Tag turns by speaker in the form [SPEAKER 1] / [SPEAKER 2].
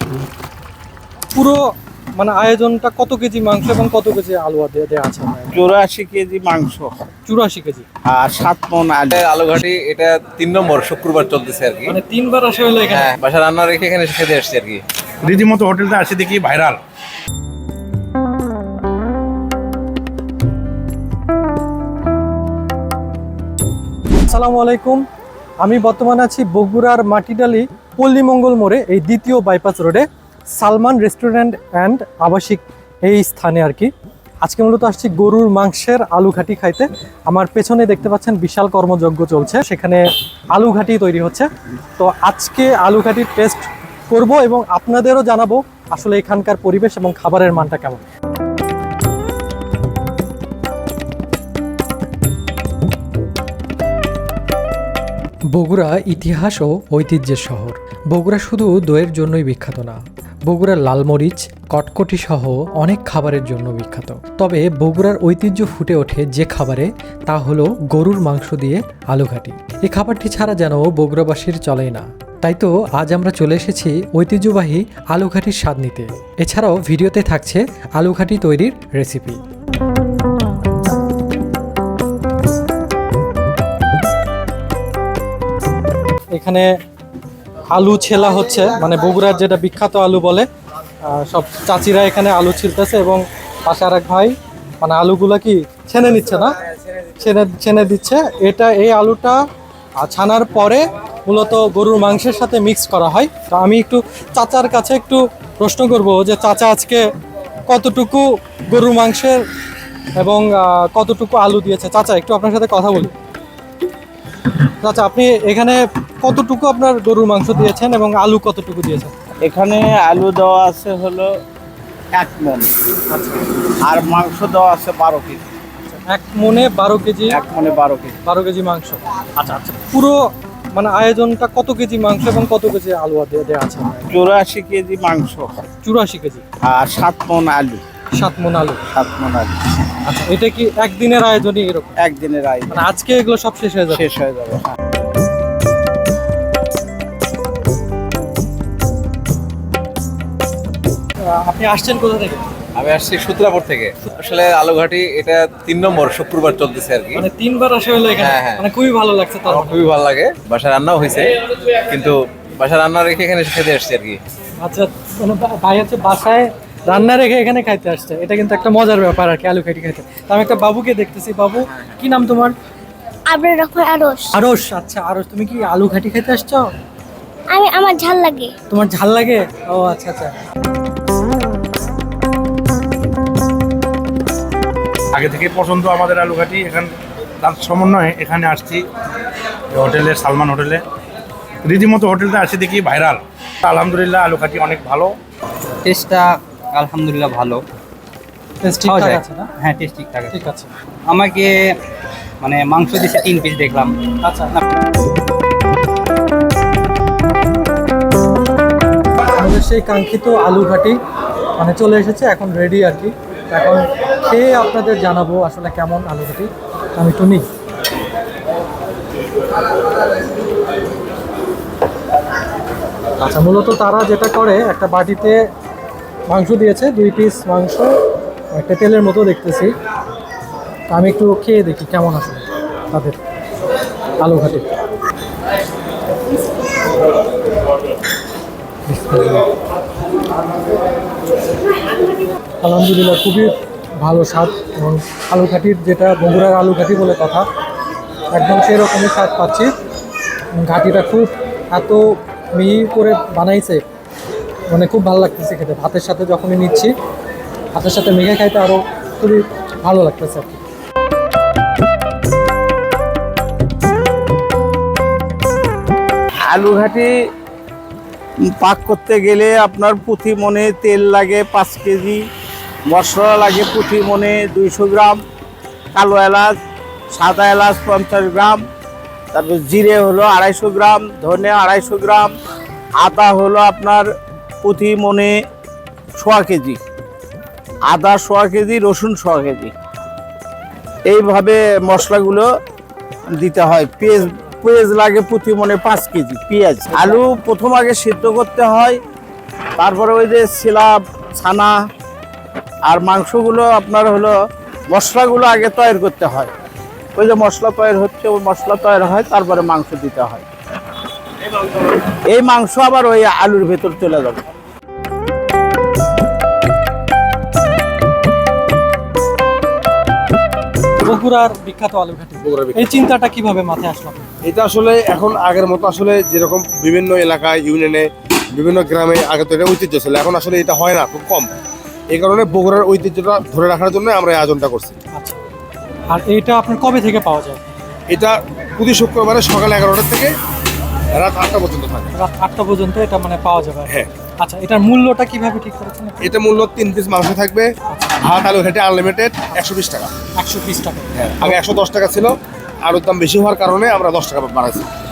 [SPEAKER 1] পুরো মানে আয়োজনটা কত কেজি মাংস এবং কত কেজি আলু দেওয়া আছে?
[SPEAKER 2] 84 কেজি মাংস
[SPEAKER 1] 84 কেজি
[SPEAKER 2] আর 7 মণ আলু।
[SPEAKER 3] আলুঘাটি এটা 3 নম্বর শুক্রবার চলতেছে আর কি।
[SPEAKER 1] মানে তিনবার আসা হলো এখানে।
[SPEAKER 3] হ্যাঁ, বাসা রান্না রেখে এখানে খেতে আসছি আর কি।
[SPEAKER 4] রীতিমতো হোটেলটা আসে দেখি ভাইরাল।
[SPEAKER 1] আসসালামু আলাইকুম, আমি বর্তমানে আছি বগুড়ার মাটিডালি পল্লীমঙ্গল মোড়ে, এই দ্বিতীয় বাইপাস রোডে সালমান রেস্টুরেন্ট অ্যান্ড আবাসিক এই স্থানে আর কি। আজকে মূলত আসছি গরুর মাংসের আলুঘাটি খাইতে। আমার পেছনে দেখতে পাচ্ছেন বিশাল কর্মযজ্ঞ চলছে, সেখানে আলুঘাটি তৈরি হচ্ছে। তো আজকে আলুঘাটির টেস্ট করব এবং আপনাদেরও জানাবো আসলে এখানকার পরিবেশ এবং খাবারের মানটা কেমন। বগুড়া ইতিহাস ও ঐতিহ্যের শহর। বগুড়া শুধু দইয়ের জন্যই বিখ্যাত না, বগুড়ার লালমরিচ, কটকটি সহ অনেক খাবারের জন্য বিখ্যাত। তবে বগুড়ার ঐতিহ্য ফুটে ওঠে যে খাবারে, তা হলো গরুর মাংস দিয়ে আলুঘাটি। এই খাবারটি ছাড়া যেন বগুড়াবাসীর চলেই না। তাই তো আজ আমরা চলে এসেছি ঐতিহ্যবাহী আলুঘাটির স্বাদ নিতে। এছাড়াও ভিডিওতে থাকছে আলুঘাটি তৈরির রেসিপি। এখানে আলু ছেলা হচ্ছে, মানে বগুড়ার যেটা বিখ্যাত আলু বলে। সব চাচিরা এখানে আলু ছিলতেছে এবং পাশে আর এক ভাই মানে আলুগুলা কি ছেনে নিচ্ছে না, ছেনে দিচ্ছে। এই আলুটা ছানার পরে মূলত গরুর মাংসের সাথে মিক্স করা হয়। তো আমি একটু চাচার কাছে একটু প্রশ্ন করব যে চাচা আজকে কতটুকু গরুর মাংসের এবং কতটুকু আলু দিয়েছে। চাচা একটু আপনার সাথে কথা বলি। আচ্ছা, আপনি এখানে কতটুকু আপনার গরুর মাংস দিয়েছেন এবং আলু কতটুকু দিয়েছেন?
[SPEAKER 2] এখানে আলু দেওয়া আছে হলো 1 মণ, আর মাংস দেওয়া আছে 12 কেজি।
[SPEAKER 1] 1 মণে 12 কেজি।
[SPEAKER 2] 1 মণে 12 কেজি।
[SPEAKER 1] 12 কেজি মাংস। আচ্ছা আচ্ছা, পুরো মানে আয়োজনটা কত কেজি মাংস এবং কত কেজি আলু দেওয়া আছে?
[SPEAKER 2] 84 কেজি মাংস
[SPEAKER 1] 84 কেজি
[SPEAKER 2] আর 7 মণ আলু।
[SPEAKER 1] 7 মণ আলু।
[SPEAKER 2] 7 মণ আলু।
[SPEAKER 1] আচ্ছা, এটা কি একদিনের আয়োজনই এরকম?
[SPEAKER 2] একদিনের আয়োজন।
[SPEAKER 1] মানে আজকে এগুলো সব শেষ হয়ে যাবে?
[SPEAKER 2] শেষ হয়ে যাবে।
[SPEAKER 1] আপনি আসছেন কোথা থেকে?
[SPEAKER 3] আমি আসছি সূত্রাপুর থেকে। আসলে আলুঘাটি এটা 3 নম্বর শুক্রবার চলতেছে আর কি।
[SPEAKER 1] মানে তিনবার আসা হলো এখানে।
[SPEAKER 3] হ্যাঁ, হ্যাঁ।
[SPEAKER 1] মানে খুবই ভালো লাগছে। তার
[SPEAKER 3] আমার খুবই ভালো লাগে। বাসা রান্নাও হয়েছে, কিন্তু বাসা রান্না রেখে এখানে খেতে আসছি আর কি।
[SPEAKER 1] আচ্ছা, মানে ভাই হচ্ছে বাসায় রান্না রেখে এখানে খাইতে আসছে, এটা কিন্তু একটা মজার ব্যাপার আর কি, আলু ঘাটি খাইতে। তো আমি একটা বাবুকে দেখতেছি। বাবু, কি নাম তোমার?
[SPEAKER 5] আবরার রহমান আরশ।
[SPEAKER 1] আরশ। আচ্ছা আরশ, তুমি কি আলু ঘাটি খাইতে আসছো?
[SPEAKER 5] আমার ঝাল লাগে।
[SPEAKER 1] তোমার ঝাল লাগে? ও আচ্ছা আচ্ছা।
[SPEAKER 4] আগে থেকে পছন্দ আমাদের আলুঘাটি। এখান তার সমন্বয়ে এখানে আসছি হোটেলে, সালমান হোটেলে। রীতিমতো হোটেলটা আসে দেখি ভাইরাল। আলহামদুলিল্লাহ আলুঘাটি অনেক ভালো।
[SPEAKER 6] টেস্টটা আলহামদুলিল্লাহ ভালো।
[SPEAKER 1] টেস্ট
[SPEAKER 6] খাওয়া
[SPEAKER 1] ঠিকঠাক
[SPEAKER 6] যায়।
[SPEAKER 1] আছে না?
[SPEAKER 6] হ্যাঁ, টেস্ট ঠিকঠাক আছে।
[SPEAKER 1] ঠিক আছে।
[SPEAKER 6] আমাকে মানে মাংস দিয়েছে 3 পিস দেখলাম।
[SPEAKER 1] আচ্ছা, আমাদের সেই কাঙ্ক্ষিত আলু ঘাটি মানে চলে এসেছে, এখন রেডি আর কি। এখন খেয়ে আপনাদের জানাবো আসলে কেমন আলু ঘাটি। আমি তো নিই। আচ্ছা, মূলত তারা যেটা করে, একটা বাটিতে মাংস দিয়েছে, 2 পিস মাংস, একটা তেলের মতো দেখতেছি। তো আমি একটু খেয়ে দেখি কেমন আসলে তাদের আলু ঘাটি। আলহামদুলিল্লাহ খুবই ভালো স্বাদ, এবং আলু ঘাটির যেটা বগুড়ার আলু ঘাটি বলে কথা, একদম সেরকমই স্বাদ পাচ্ছি। ঘাটিটা খুব এত মিহি করে বানাইছে, মানে খুব ভালো লাগতেছে খেতে। ভাতের সাথে যখনই নিচ্ছি, ভাতের সাথে মেখে খাইতে আরও খুবই ভালো লাগতেছে আর কি।
[SPEAKER 2] আলুঘাটি পাক করতে গেলে আপনার প্রতি মণে তেল লাগে 5 কেজি, মশলা লাগে প্রতি মণে 200 গ্রাম, কালো এলাচ, সাদা এলাচ 50 গ্রাম, তারপর জিরে হলো 250 গ্রাম, ধনে 250 গ্রাম, আদা হলো আপনার প্রতি মণে 1.5 কেজি, আদা 1.5 কেজি, রসুন 1.5 কেজি। এইভাবে মশলাগুলো দিতে হয়। পেঁয়াজ লাগে প্রতি মণে 5 কেজি পেঁয়াজ। আলু প্রথম আগে সিদ্ধ করতে হয়, তারপরে ওই যে সিলাপ ছানা আর মাংসগুলো আপনার হলো মশলাগুলো আগে তৈরি করতে হয়। ওই যে মশলা তৈরি হচ্ছে, ওই মশলা তৈরি হয়, তারপরে মাংস দিতে হয়। এই মাংস আবার ওই আলুর ভেতর চলে যাবে।
[SPEAKER 1] বগুড়ার বিখ্যাত আলু ঘাটি, এই চিন্তাটা কিভাবে মাথায় আসলো?
[SPEAKER 7] এটা আসলে এখন আগের মতো আসলে যেরকম বিভিন্ন এলাকায় ইউনিয়নে বিভিন্ন গ্রামে আগে তো এটা ঐতিহ্য ছিল, এখন আসলে এটা হয় না, খুব কম। এই কারণে বগুড়ার ঐতিহ্যটা ধরে রাখার জন্য আমরা এই আয়োজনটা করছি।
[SPEAKER 1] আচ্ছা, আর এইটা আপনার কবে থেকে পাওয়া যায়?
[SPEAKER 7] এটা প্রতি শুক্রবারে সকাল 11টা থেকে রাত 8টা পর্যন্ত থাকে।
[SPEAKER 1] রাত 8টা পর্যন্ত এটা মানে পাওয়া যাবে?
[SPEAKER 7] হ্যাঁ।
[SPEAKER 1] আচ্ছা, এটার মূল্যটা কিভাবে ঠিক করেছেন?
[SPEAKER 7] এটা মূল্য 3 পিস মাংস থাকবে, ভাত আলু ঘাটি আনলিমিটেড, 120 টাকা।
[SPEAKER 1] 120 টাকা।
[SPEAKER 7] হ্যাঁ, আগে 110 টাকা ছিল, আলুর দাম বেশি হওয়ার কারণে আমরা 10 টাকা বাড়াইছি।